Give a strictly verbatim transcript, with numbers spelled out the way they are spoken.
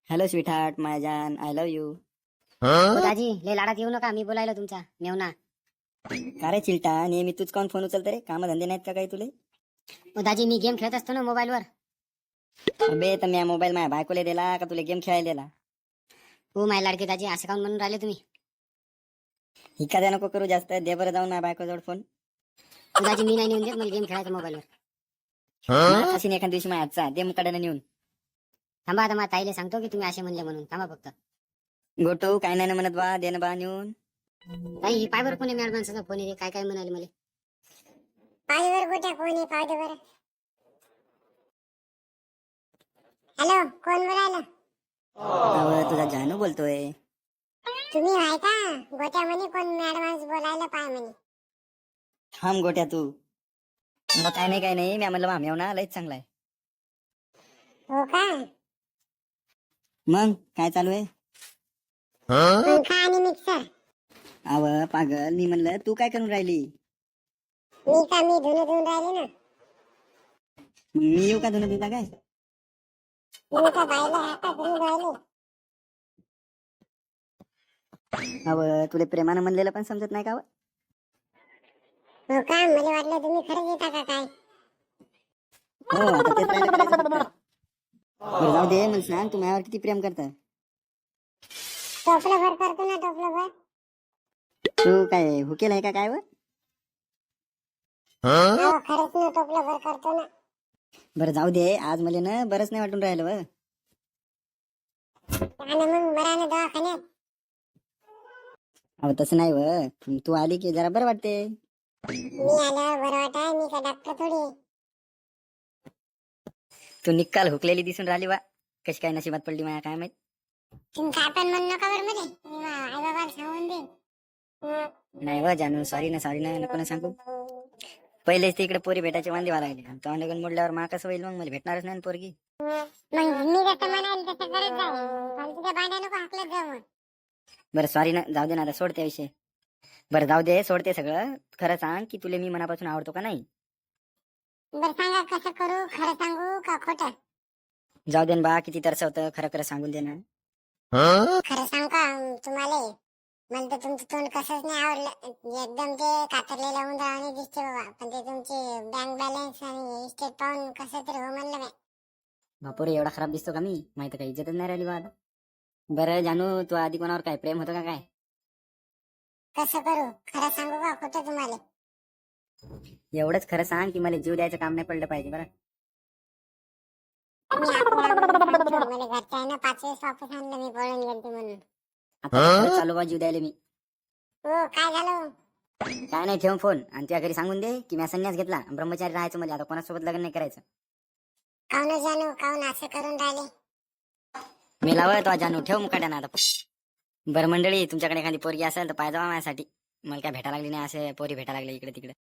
Hello sweetheart my जान I love you. हो दाजी लय लाडात येऊ नका, मी बोलायला तुमचा मेवना. का रे चिलटा नेहमी तूच काऊन फोन उचलते रे? काम धंदे नाहीत का काही तुले? हो दाजी मी गेम खेळत असतो ना मोबाईलवर. अबे तर मी मोबाईल माझ्या बायकोला दिला का तुला गेम खेळायला दिला? हो माझ्या लाडके दाजी, असं काऊन म्हणून राहिले तुम्ही? हिका द्या नको करू जास्त, दे बरं जाऊन माझ्या बायकोजवळ फोन. हो दाजी मी नाही नेऊन देत, मला गेम खेळायचा मोबाईलवर. अशी एखाद दिवशी माझ्या आजचा दे मुकाड्यानं नेऊन. थांबा आता माझ्या ताईला सांगतो की तुम्ही असे म्हणले म्हणून. थांबा फक्त. गोटू काय नाही ना म्हणत बा, दे ना बा नेऊन. ताई ही पायवर कोणी मॅड माणसाचा फोन आहे, काय काय म्हणाले मला. पायवर गोट्या कोणी पाहू दे बरं. हॅलो, कोण बोलायला? अहो तुझा जानू बोलतोय. तुम्ही आहे का? गोट्या म्हणे कोण मॅडमांस बोलायला पाय म्हणे. थांब गोट्या तू. मग काय नाही काय नाही, मी म्हणलं मामेव ना लयच चांगला आहे. हो का? मग काय चालू आहे? पंखा आणि मिक्सर. अव पागल, मी म्हणलं तू काय करून राहिली? मी का मी धुणं धुवून राहिले ना. मी येऊ का धुणं धुता काय? तुम्ही का बायला हाता धुवून राहिले? अव तुला प्रेमानं म्हणलेलं पण समजत नाही का? व? हो का? मला वाटलं तुम्ही खरंच येता का काय. हो आता तेच राहिलं करायचं फक्त. बरं जाऊ दे, मला सांग तू माझ्यावर किती प्रेम करता? टोपलं भर करतो ना, टोपलं भर. तू काय हुकेल आहे का काय? व हो खरंच ना, टोपलं भर करतो ना. बरं जाऊ दे, आज मला ना बरंच नाही वाटून राहिलं. व आणि मग बरा ना दवाखान्यात. अहो तसं नाही. व तू आली की जरा बरं वाटते. मी आल्यावर बरं वाटाय, मी का डॉक्टर थोडी आहे. तू निकाल हुकलेली दिसून राहिली. वा कशी काय नशिबात पडली माझ्या काय माहित. तुम्ही काय पण म्हणू नका बरं मध्ये, आई बाबाला सांगून दे. नाही व जानू, सॉरी ना सॉरी ना, नको ना सांगू. पहिलेच ते इकडे पोरी भेटायचे वांदे व्हायला लागले. तो लगन मोडल्यावर मा कसं होईल? मग मला भेटणारच नाही ना पोरगी. मग मी जसं म्हणाल तसं करत जाईल. फालतूच्या भांड्या नको हाकलत जाऊ मग. बरं सॉरी ना, जाऊ दे ना, आता सोडते विषय. बरं जाऊ दे, सोडते सगळं. खरं सांग की तुला मी मनापासून आवडतो का नाही? बरं सांगा, कसं करू? खरं सांगू का खोटं? जाऊ दे ना बा, किती तरस होतं, खरं खरं सांगून दे ना. खरं सांग का तुम्हाला? मला तर तुमचं तोंड कसंच नाही आवडलं. एकदम ते कातरलेलं उंदरावाने दिसते बाबा. पण ते तुमचे बँक बॅलन्स आणि इस्टेट पाहून कसं तरी हो म्हणलं मी. बापोरे, एवढा खराब दिसतो का मी? माहिती काही इज्जतच नाही राहिली बा आता. बरं जानू, तू आधी कोणावर काय प्रेम होतं का काय? कसं करू? खरं सांगू का खोटं तुम्हाला? एवढंच खरं सांग की मला जीव द्यायचं काम नाही पडलं पाहिजे. बरं मी आपल्या मला घरच्या आहे ना पाच वेळेस वापस आणलं, मी पळून गेलते म्हणून. आता खरंच चालू बा जीव द्यायला मी. हो काय झालं? काय नाही, ठेवून फोन आणि तुझ्या घरी सांगून दे की मी संन्यास घेतला, ब्रह्मचारी राहायचं, म्हणजे आता कोणासोबत लग्न नाही करायचं. काऊन जानू, काऊन असं करून राहिले? मी लावत वा जानू, ठेव मुकाट्या ना आता. बरं मंडळी, तुमच्याकडे एखादी पोरगी असेल तर पाहिजे माझ्यासाठी. मला काय भेटा लागली नाही, असे पोरी भेटा लागले इकडे तिकडे.